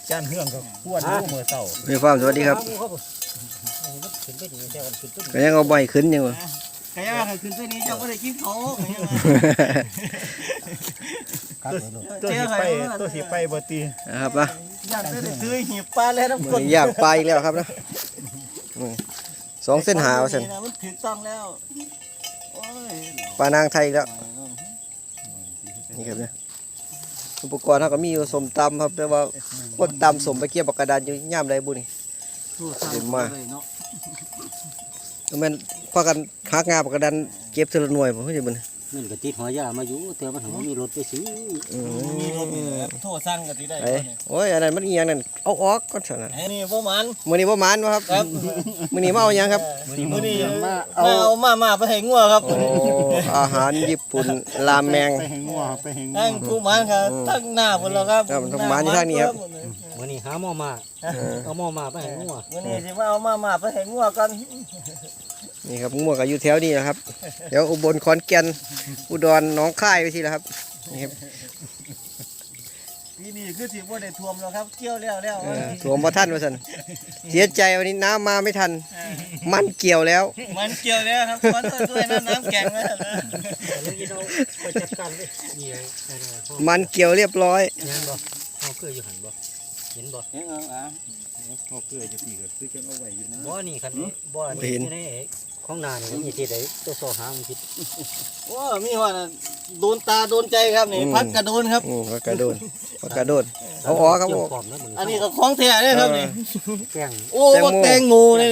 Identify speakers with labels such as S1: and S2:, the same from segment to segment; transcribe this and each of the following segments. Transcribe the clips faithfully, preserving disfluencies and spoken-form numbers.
S1: จานเฮืองกับขวดลูกมือเต่า
S2: มีความสวัสดีครับก็ยังเอาใบขึ้นอยู่
S3: ก็ยังขึ้นตัวนี้เจ้าก็ได้กินเขา
S1: ตัวสีไปตัวสีไปบ่ตี
S2: นะครับนะ
S3: ย่างตัวนี้ซื้อหีบปลาแล้วน้ำกรด
S2: ย่างปลาอีกแล้วครับนะสองเส้นหาเส้น
S3: มันถึงต้องแล้ว
S2: ปลานางไทยแล้วนี่ครับเนี่ยอุปกรณ์เขาก็มีอยู่สมตำครับแต่ว่าพวกตำสมไปเกี่ยวกับกระดานอยู่ย่ามไรบุญนี่เห็นมาแล้วมันพากันหักงาปากกระดานเก็บทีละหน่วยผมเข้าใจบุญ
S4: นั่นก็ติดหัวยามาอยู่แต่มันถึงมีรถไปซื้อ
S3: มีรถโทษสั่งก็ติได้
S2: โอ้ยอันนั้นมันอีหยังนั่นเอาออกก่อนสินะ
S3: นี่บ่มัน
S2: มื้อนี้บ่มันบ่ครับมื้อนี้มาเอาหยังครับ
S3: มื้อนี้มาเอามามาไปให้งัวครับ
S2: อาหารญี่ปุ่นรามแมง
S1: ไปให้งัวไปให้งัว
S3: ทั้งผู้มันครับทั้งหน้าพุ่นแล้วครับ
S2: ทั้งมันที่ทางนี้ครับ
S4: มื้อนี้หาหม้อมาเอาหม้อมาไปให้งัว
S3: มื้อนี้สิมาเอามามาไปให้งัวกัน
S2: นี่ครับงัวก็อยู่แถวนี้นะครับเดี๋ยวอุบลขอนแก่นอุดรหนองคายไปสิละครับนี่ครับ
S3: ปีนี้คือสิบ่ได้ท่วมแล้วครับเกี่ยวแล้วแล้ว
S2: ท่วมบ่ทันว่าซั่นเสียใจวันนี้น้ำมาไม่ทันมันเกี่ยวแล้ว
S3: มันเกี่ยวแล้วครับขอโทษด้วยนะน้ำแข็งไว้แล้ว
S2: มันเกี่ยวเรียบร้อย
S4: เห็นบ่เอาเกลืออยู่หั่นบ่เห็นบ่
S3: เอออ่ะ
S1: เอาเกลือจะตีก็คือจังเอาไว้อยู่นะ
S4: บ่นี่คันบ่นี่ในของนานี่มีที่ใดตัวโซหามันคิด
S3: โอ้มีว่าโดนตาโดนใจครับนี่พักกระโดนครับ
S2: อือพักกระโดนพักกระโดนเอาอ๋อครับ
S3: อันนี้ก็ของแท้เลยครับนี่
S4: แกง
S3: โอ้แตงโมนี่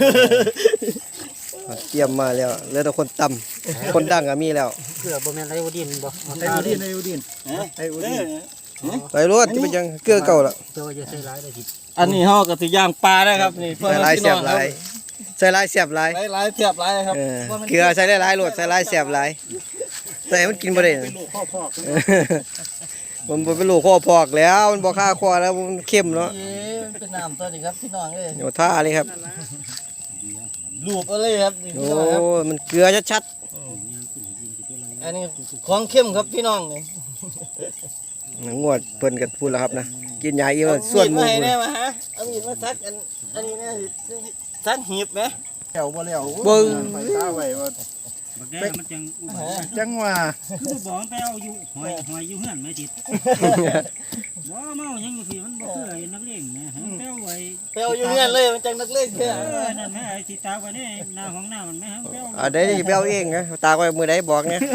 S2: เตรียมมาแล้วเหลือแต่คนต่ำคนดังก็มีแล้ว
S4: เกลือบ่แม่นไอ้อุดินบ่
S1: ไอ้อุดินไอ้อุดินไอ้อุดิน
S2: ไปรถที่เป็นยังเกลือเก่าละ
S4: เจ้าจะใส่หลายได้สิ
S3: อันนี้เฮาก็สิย่างปลาได้ครับนี่
S2: ใส่หลายเสียบหลายใส่หลายเสียบหลาย
S3: หลายเสียบหลายครับ
S2: เกลือใส่หลายๆโหลดใส่หลายเสียบหลายใส่มันกินบ่ได้
S1: เป็นลูกข้อพอก
S2: มันเป็นลูกข้อพอกแล้วมันบ่ค่าคอแล้วมันเข้มแล้ว
S3: เป็นน้ำตัวนี้ครับพี่น้องเอ้ย
S2: โยท่าเลยครับ
S3: ลูกอะไรครับ
S2: โอ้มันเกลือชัด
S3: ๆอันนี้ของเข้มครับพี่น้องนี่
S2: งวดเพิ่นกันพูดแล้วครับนะกินยาอีมันส่วนหมู
S3: ได้มาฮะเอามีดมาซักอันอันนี้นะซักหีบไหม
S1: แถวบ่แล้ว
S2: เบิ่ง
S1: ไปตาไว้ว่า
S4: บักแดงมันจัง
S1: จังว่า
S4: คือบ่ไปเอาอยู่หอยหอยอยู่เฮือนไม่ติดบ่เมายังอยู่สิมันบ่คือไอ้นักเลงแม่ไปเอาไว้
S3: ไปเอาอยู่เฮือนเลยมันจังนักเลงแท้
S4: เออนั่นแม่ไอ้สิตากไว้นี่หน้าของหน้ามันแม่ไปเอา
S2: อ่าได้ไปเอาเองนะตากไว้มื้อใดบอกเนี่ย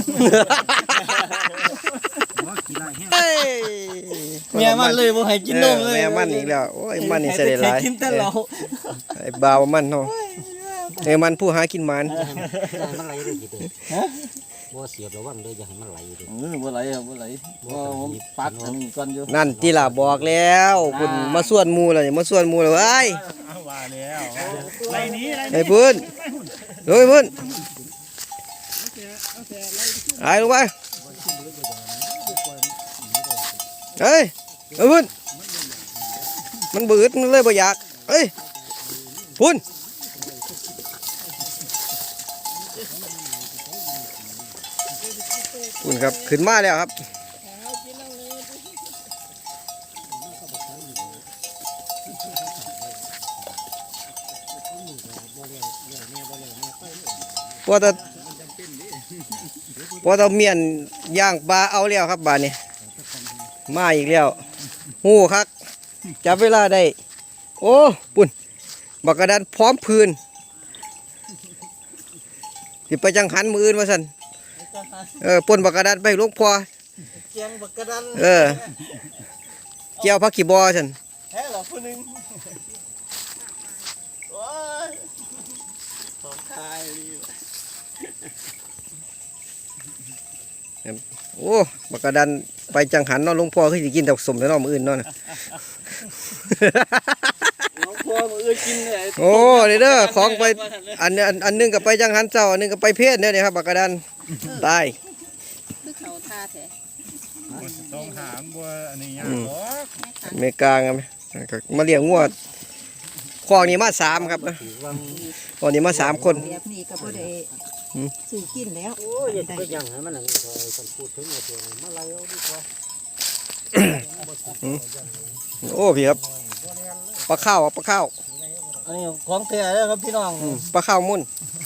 S3: เมียมันเลยบ่ให้กินนมเลย
S2: แม่มันอีกแล้วโอ้ยมันนี่เสด็จหลาย
S3: กินแต่เหล้า
S2: ไอ้บ่าวมันเนาะไอ้มันผู้หากินมัน
S4: มันไหลได้กี่เด้อบ่เสียบระวังเด้ออย่าให้มันไหลเด้อ
S3: เออบ่ไหลครับบ่ไหลบ่ผมปักอันนี้ก่อนอยู่
S2: นั่นที่ล่ะบอกแล้วคุณมาส่วนหมู่แล้วนี่มาส่วนหมู่แล้วเอ้ย
S1: ว่าแล้วไหลนี้
S2: ไอ้พื้นเฮ้ยพื้นไอ้ลงไปเฮ้ยเอ้ยพุ่นมันบืดมันเลยบ่อยากเฮ้ยพุ่นพุ่นครับขึ้นมาแล้วครับพอตะพอตะเมียนย่างปลาเอาแล้วครับบ้านนี้มาอีกแล้วหูครับจับเวลาได้โอ้ปุ่นบักกระดานพร้อมพื้นที่ไปจังหันมืออื่นมาสันเออปุ่นบักกระดานไปลูกพอ
S3: เกียงบักกระดาน
S2: เออเกี่ยวพักขี่บอสัน
S3: แฮ่หรอคนหนึ่งโอ้ยสองทาย
S2: โอ้บักกระดานไปจังหันนอนลุงพ่อคือจะกินแต่สมแล้วนอนมืออื่นนอน
S3: ลุงพ่อมืออื่นกินเลย
S2: โอ้เด้อของไปอันอันอันนึงก็ไปจังหันเจ้าอันนึงก็ไปเพศเนี่ยครับบักกระดานตาย
S5: คือเขาท่าแท้
S1: ต้องหางบัวอันนี้ยากหรอก
S2: เมกาไงมาเลี้ยงงวดคลองนี้มาสามครับคลองนี้มาสามคน
S5: แบบนี้ก็บ่ได้ซื้อกินแล้ว
S4: โอ้ยก็ยังให้มันนั่นคอยกันพูดถึงตัวนี้มาไล่เอาดีกว่า
S2: โอ้พี่ครับปลาข้าวปลาข้าว
S3: อันนี้ของแท้แล้วครับพี่น้อง
S2: อืมปลาข้าวมุ่น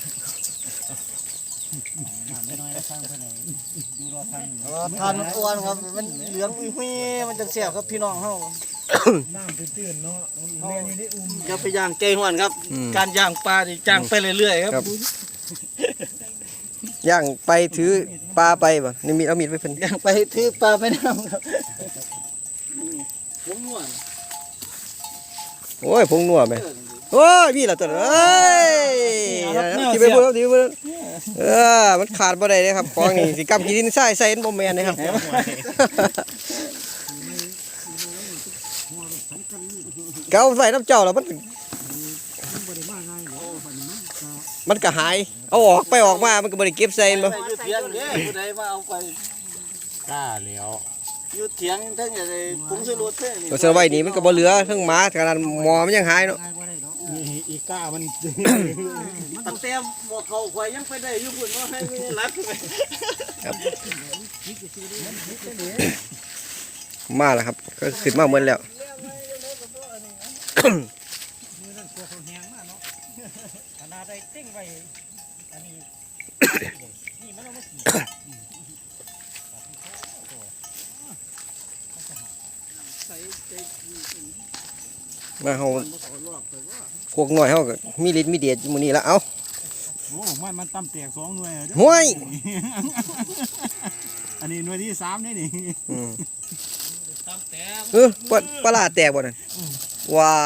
S4: ไม่น้อยแล้วสร้างไปไหนดูรอทัน
S3: เออทานมันอ้วนครับมันเหลืองอุ้ยๆมันจะแซ่บครับพี่น้องเฮา
S1: น้ำตื้นๆเนาะเรียนอยู่ได้อุ้ม
S3: อย่าไปย่างไก่ห้วนครับ
S2: อืม
S3: การย่างปลานี่ย่างไปเรื่อยๆครับ
S2: ครับ ย่างไปถือปลาไปบ่นี่มีเอามีดไปเพิ่น
S3: ย่างไปถือปลาไปน้ำครับผมม่วน
S2: โอ้ยผงนัวแม่โอ้ยมีแล้วตัวนั้นเอ้ยที่ไปเบิ่งที่ไปเบิ่งเออมันขาดบ่ได้เลยครับของนี่สิกำกินใส่ใส่บ่แม่นนะครับ เกาใส่น้ำเจ้าแล้วมันมันก็หายเอาออกไปออกมามันก็บ่ได้เก็บใส่บ่
S3: ไปอยู่เถียงเด้ผู้ใดมาเอาไป
S1: กล้าแล้ว
S3: อยู่เถียงทั้งอย่างไรผงชูรสเด้นี่
S2: ตัวเสือไว้นี่มันก็บ่เหลือทั้งหมาขนาดหมอมันยังหายเนาะ
S1: อีกล้ามัน
S3: ตั้งแต่หมอเขาข่อยยังไปได้อยู่พุ่นว่าให้ไม่รักไป
S2: มาแล้วครับก็ขึ้นมาหมดแล้ว
S4: ขนาดได้เต้งไว้อันนี้นี่มันเอามาขี่
S2: มาเฮาพวกน้อยเฮาก็มีฤทธิ์มีเดชอยู่มื้อนี้ละเอ้า
S1: โอ้มันมันตั้มแตกสองหน่วย
S2: ห้วย
S1: อันนี้หน่วยที่สามนี่นี่
S2: อืม
S3: ตั้งแต่
S2: เออปลาปลาร้าแตกบ่นั่นว้า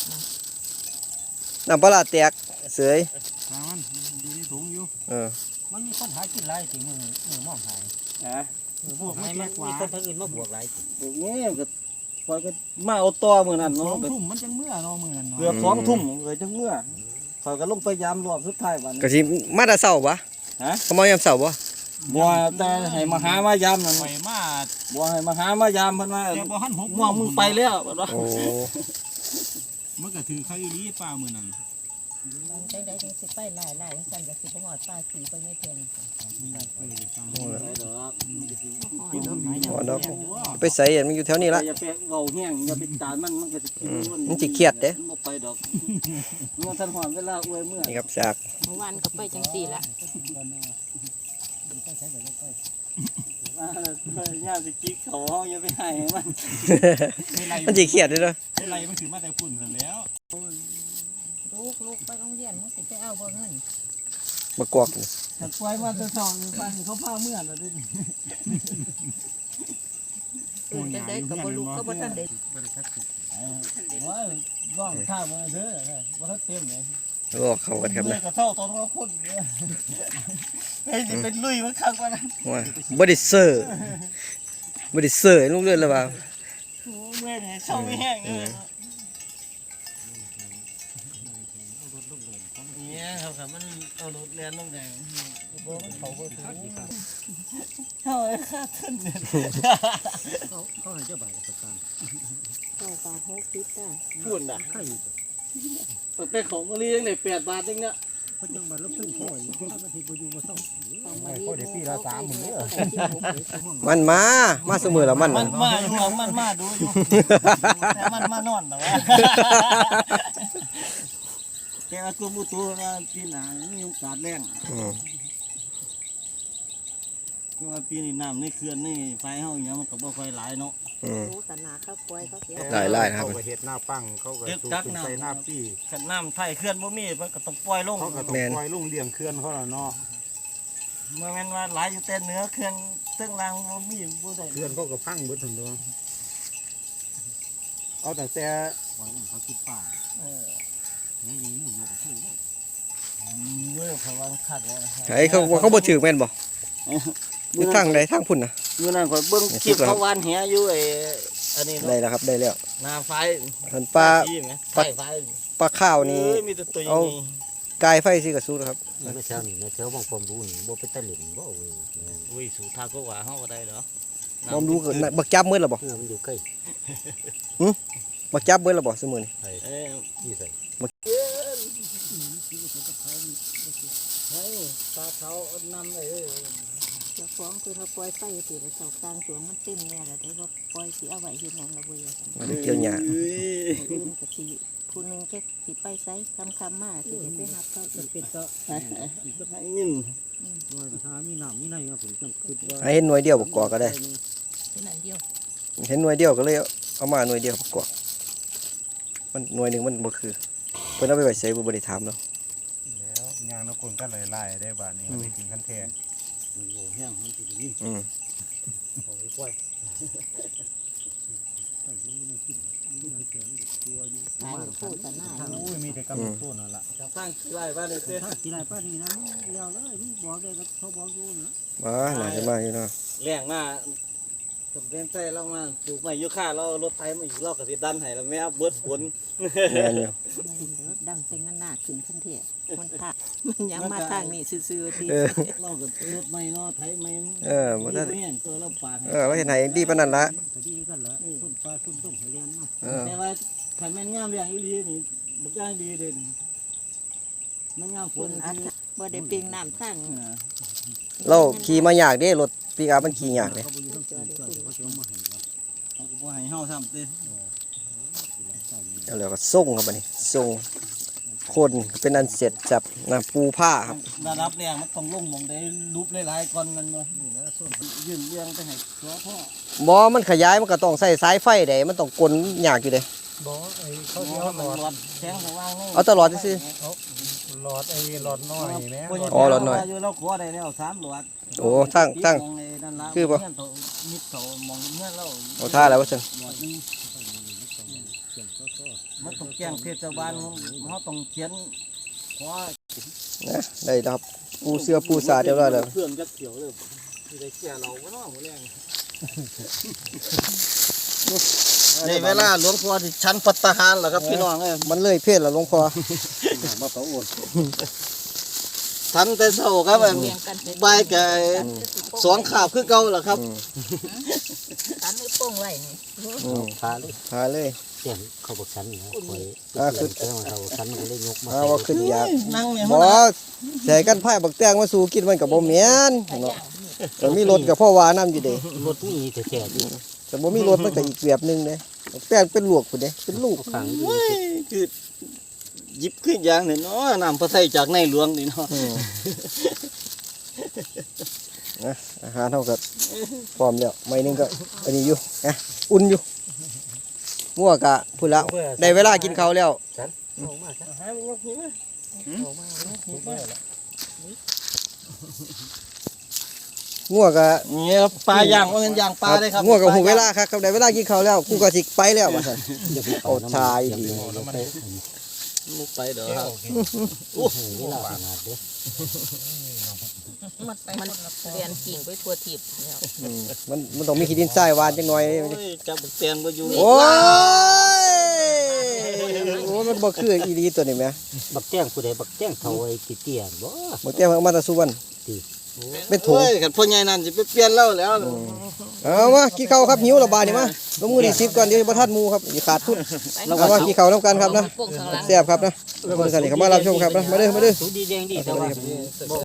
S2: น้ำปลาร้าแตกเสย
S1: ตามมันอยู่ในถุงอยู่
S2: เออ
S4: มันมีคนหากินหลายสิมือมือมองหาย
S3: ฮะ
S4: มือมองหายมันมีคนทางอื่นมาบวกหลายสิ
S3: พวกนี้ก็ข่อยก็มาเอาต่อมื้อนั้น
S1: สอ
S3: เนาะ
S1: งทุ่มมันจังเมื่อเนาะมือนั้นเนาะ
S3: เกือบสองทุ่มเลยจังเมื่อข่อยก็ลงไปยามรอบสุดท้ายวัน
S2: ก็สิมาแต่เช้าบ่
S3: ฮะ
S2: เขามายามเช้าบ่
S3: บัวแต่ให้มาหามายามนั่น
S1: ไปมา
S3: บัวให้มาหามายามเพิ่นว่า
S1: แต่บ่หันหก
S3: ม่วงมึงไปแล้วเพิ่นว่า
S2: โอ้
S1: มันก็ถือเขาอีหลีป้ามือนั้น
S5: จังไดจังสิไปหลายหลายจังซั่นก็สิบ่ฮอดป้าสีบ่ยายเพียง
S3: ไปดอก
S2: บ่ดอกไปใส่อันมันอยู่แถวนี้ละ
S3: อย่าไปเว้าแห้งอย่าไปตานมันมันก็สิคิดว่า
S2: มันสิเครียดเด้
S3: มันบ่ไปดอกเมื่อท่านหอนเวลาอวยเมื่อ
S2: นี่ครับสาก
S5: เมื่อวานก็ไปจังซี่ละ
S3: อ่าย่าสิจิกเขาเฮาอย่าไปให้มัน
S2: มันสิเครียดเด้อเนาะ
S1: อะไรมันถือมาแต่ฝุ่นกันแล้ว
S5: ลูกลูกไปโรงเรียนมึงสิไปเอาบ่เงิน
S2: มากอกนี่
S3: ถ้าปล่อยมาแต่เช้านี่ฟันเขาพาเมื่อแล้วเด้
S5: อื่นจังไดก็บ่ลูกก็บ่ทันได้
S3: ว่าร้องข้าวมาเด้อบ่ทันเต็มเลย
S2: โอ้เข้ากันครับ
S3: เมื่อ
S2: นะ
S3: ก็เท่าตอนว่าคนเนี่ยเฮ้ยสิเป็นลุยมันคักกว่านั้น
S2: ว่าบ่ได้เซอร์บ่ได้เซอร์ให้ลูกเรือนแล้วว่า
S3: โอ้เมื่อยเนี่ยเศร้าไม่แห้งเลยเนี่ยครับครับมันเอารถเรียนลงแดงบ่มันเขาก็ถูเท่าไอ้ค่าทุนเนี่ย
S4: เขาเขาให้เจ้าบ่าวประกัน
S5: เข้าปลาหกสิบจ้า
S3: พูดน่ะ
S4: ใครอยู่
S3: เป็นของมะลิยังได้แปดบาทเองเนี่ย
S4: เพราะจังหวัดลบซึ่งพ่อยเขาก็ที่บ่อยู่บ่เศร้า
S5: เขาได้ปีละสามหมื่นเด้อ
S2: มันมามาเสมอแล้วมัน
S3: มั
S2: น่ะ
S3: นมาอยู่ของมันมาดูอยู่แต่มันมานอนแต่ว่าแกว่ากรมอุตุว่าปีหน้ามีโอกาสแรง
S2: อืม
S3: คือว่าปีนี้น้ำในเขื่อนนี่ไฟเฮาอย่างเงี้ยมันก็บ่ค่อยหลายเนาะ
S2: อืม
S5: รู้สนาเขาปล่อยเขาเสีย
S2: หลายๆนะครับ
S1: เขาก็เฮ็ดหน้าปังเขาก็สูบขึ้นใส่หน้าปี้
S3: ขันน้ำไฟเขื่อนบ่มีมันก็ต้องปล่อยลง
S1: เขาก็ต้องปล่อยลุงเลี้ยงเคลื่อนเขาแล้วเนาะ
S3: เมื่อแม่นว่าหลายอยู่แต่เหนือเขื่อนเทิงล่างบ่มีบ่ได้
S1: เคลื่อนเขาก็พังเบิดทั้งตัวเอาแต่แต่
S4: ปล่อยมันเขาคิดป่า
S3: เออ
S4: เนี่ยยิงมุ่งบ่ถูก
S3: เมื่อเขาว่าคัดแล้วนะครับ
S2: ไอ้เขาเขาบ่ถือแม่นบ่อยู่ทางใดทางพุ่นน่ะ
S3: เมื่อนั้นข่อยเบิ่งคลิปเขาวานแหอยู่ไอ้อันนี้
S2: ได้
S3: เนาะ
S2: แล้วครับได้แล้ว
S3: หน้าไฟ
S2: ท่านปลา
S3: ที่ไหมไฟไฟ
S2: ปลาข้าวนี่
S3: เอ้ยมีแต่ตัวอย่างนี้
S2: กายไฟสิกระสู้นะครับ
S4: ไม่ใช่นี่นะเจ้าบางความรู้นี่บ่เป็นตะหลินบ่เว้ย
S3: อุ้ยสู่ทางก็ว่าเฮาก็ได้เหรอ
S2: บ่รู้ก็บักจับมืดแล้วบ่
S4: เออมันอยู่ใกล้
S2: บักจับมืดแล้วบ่ซุมื้อนี้
S3: เอ้ย
S4: ที่ใส่
S3: เฮ้ยปลาเขาเอานำเลยเอ้ย
S5: เจ้าของคือเขาปล่อยไปสิแล้วเจ้ากลางสวนมันเต็มแน่แล้วได้ว่าปล่อยสิเอาไว้เฮ็ดหยังละเว้ย
S2: มันเกี่ยวหญ้า
S5: อื่นก็สิผู้หนึงจะสิไปไสคำๆมาสิจะไปหาเขา
S3: มันเป็นก็ให้เงิน
S4: ว่าถ้ามีน้ำมีในครับผมจังคิดว่า
S2: ให้เห็นหน่วยเดียวประกอบก็ได้
S5: ที่นั่นเดียว
S2: เห็นหน่วยเดียวก็เลยเอามาหน่วยเดียวประกอบมันหน่วยหนึ่งมันบ่คือเพิ่นเอาไปไว้ใส่บ่ได้ถามเนาะ
S1: แล้วยางนกคนก็หลายๆได้บาดนี้ได้กินคันแท้
S4: มันโหแห้งมันสินี่
S2: อืม
S4: เอาไว้ปล่อยไอ้มันไม่กินมันเสียงตัวอยู่
S5: ตายโคตรหน้า
S1: อุ้ยมีแต่กำลังต้นนั่นล่ะ
S3: จะสร้างไร่บ้านเลยเต้
S4: ถ้ากี่ไรป้านี่นะแล้วเลยมึงบอกได้ก็เขาบอกอยู่นะ
S2: มาหน่อยจะมาอยู่เนาะ
S3: แรงมาจำเป็นใจเรามาปลูกไม้ยูคาเรารถไถมาอีกรอบกับสิดันให้แล้วแม่เบิดฝน
S2: แม่นอยู่
S5: ดังเป็นหน้าขึ้นทันทีมันท่ามันยังมาทางนี้ซื่อๆที
S2: เออ
S3: เรากับรถไม้เนาะไถไม้
S2: เออบ่ได้
S3: เนี่ยตัวเราปาดให้
S2: เออเราเห็นไหนดีปานนั้นละ
S4: ก็ดีกันละส้นปลาส้นต้มให้เรียนเนาะ
S2: เออ
S3: แต่ว่าขันแม่นงามเรียงอีหลีนี่บักย่างดีเด่นมันงามฝ
S5: คน
S3: น
S5: อัดบ่ได้เปียงน้ำตั้ง
S2: เราขี่มายากเด้รถปิกอัพมันขี่ยากเด้
S4: เขาไปอยู่ทั้งสี่ก็เขาจะมาให้ว่า
S3: เขาก็บ่ให้เฮาซ้ำเต้
S2: แล้วเราก็ส่งครับบัดนี้ส่งคนเป็นอันเสร็จจับนะปูผ้าครับ
S3: ระดับแรงมันต้องลงหมองได้รูปหลายๆก่อนมันบ่นี่แหละส่วนยื่นเรียงไปให้ตัวพ่อ
S2: บ่มันขยายมันก็ต้องใส่สายไฟได้มันต้องกลยากอยู่เด้
S1: บ่ไอ้เขา
S3: เขา
S1: สิ
S3: สิ
S1: เอา
S3: เอา
S1: หลอด
S3: หลอดแสงสว่างนี่
S2: เอาตลอดซื่อ
S1: หลอดไอ้หลอดน้อยแม่
S2: อ๋อหลอดน้อย
S3: อยู่เราขอได้แล้วสามหลอด
S2: โอ้ตั้งตั้ง
S3: มอไอ้นั่นล่ะ
S2: คือบ่
S3: เงินเขามิดเขามองเงินเรา
S2: เอาท่าแล้วว่าซั่น
S3: หลอดหนึงมันต้องแจ้งเทศบาลเขาต้องเขียนขอ
S2: นะได้ครับปูเสื้อปูสาดเรียบร้อยแล้ว
S3: เพื่อนจักเขียวเลยที่ได้แก่เราบ่เนาะมื้อแรงในเวลาหลวงพ่อที่ชั้นปัตตาหารเหรอครับพี่น้องเอ้ย
S2: มันเลยเพศแล้วหลวงพ่อ
S4: มาเขาโอน
S3: ทันแต่เช้าครับ
S5: เปียงกัน
S3: บ่ายก็สองขาบคือเก่าเหรอครับ
S2: อืม
S5: กันไม่โป้งไว้นี่
S2: อืม
S4: พาเลย
S2: หาเลย
S4: เสียงเขาบอกฉันนะคอย
S2: อ่าคือ
S4: เรื่องเขาฉันก็เลยยกมา
S2: อ่าว่าขึ้นอยาก
S3: นั่งเนี่ย
S2: บ่ใส่กันไผ่บักแตงมาสู่กินมันก็บ่แม่นเนาะก็มีรถก็พ่อว่านํอยู่เด้
S4: รถนี่แท้ๆที่
S2: แต่บ่มีรถมันก็อีกแบบหนึงเด้บักแตงเป็นลวกพุ่นเด้เป็นลูก
S4: ขังอยู่
S3: โอ้ยคือหยิบขึ้นอย่างเนี่ยเนาะน้ำพระไทยจากในหลวงนี่เนาะ
S2: อืมนะอาหารเฮาก็พร้อมแล้วไม่นึงก็อันนี้อยู่นะอุ่นอยู่มั่วกะพุ่นละได้เวลากินข้าวแล้ว
S4: ออกมาจ้ะ
S3: หามันยกนี่มั้ย
S4: ออกมาถูกไหมล่ะ
S2: มั่วกะ
S3: เนี่ยครับปลาย่างว่าเป็นย่างปลาได้ครับ
S2: มั่วกับหูเวลาครับครับได้เวลากินข้าวแล้วกูก็สิไปแล้วว่าซั่น
S4: อย่าไป
S2: เอาชายดี
S4: ไป
S3: มุกไปเด้อครับ
S4: โอ้โหเวลาขนาดเด้อ
S5: มันมันเรียนกิ่งไปทั่วทิพย์แล้ว
S2: อืมมันมันต้องมีขี้ดินทรายวานจังหน่อย
S3: โอ้ยจับบักแตนบ่อยู่
S2: โอ้ยโอ้ยมันบ่คืออีหลีตัวนี้แหม
S4: บักแจ้งผู้ใดบักแจ้งเขาไอ้ติเตียนบ่
S2: บ่แต่ว่ามาแตะสุวรรณเป็นถุง
S3: โอ้ยคันพ่อใหญ่นั่นสิไปเปลี่ยนแล้วแล้ว
S2: เอามากินข้าวครับหิวและบาดนี่มาลงมือนี่สิบก่อนเดี๋ยวบ่ทันหมู่ครับสิขาดทุนเอามากินข้าวนํกันครับนะ
S5: โป้งข้างหลัง
S2: แซ่บครับนะเพิ่นสนิทเข้ามารับชมครับนะมาเด้อมาเด้อ
S4: สูดีแดงดีแต่ว่า